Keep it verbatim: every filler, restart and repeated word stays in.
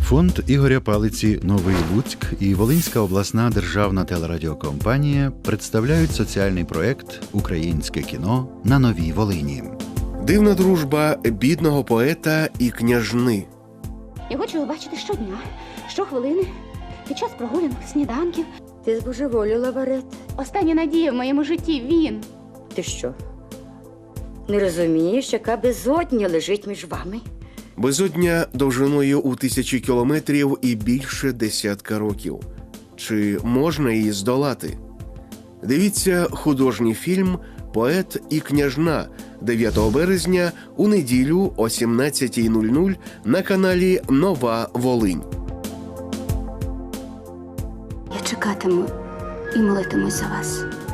Фонд Ігоря Палиці «Новий Луцьк» і Волинська обласна державна телерадіокомпанія представляють соціальний проєкт «Українське кіно на Новій Волині». Дивна дружба бідного поета і княжни. Я хочу його бачити щодня, щохвилини, під час прогулянок, сніданків. Ти збожеволіла, Варет. Остання надія в моєму житті – він. Ти що, не розумієш, яка безодня лежить між вами? Безодня довжиною у тисячі кілометрів і більше десятка років. Чи можна її здолати? Дивіться художній фільм «Поет і княжна» дев'ятого березня у неділю о сімнадцятій нуль нуль на каналі «Нова Волинь». Я чекатиму і молитимусь за вас.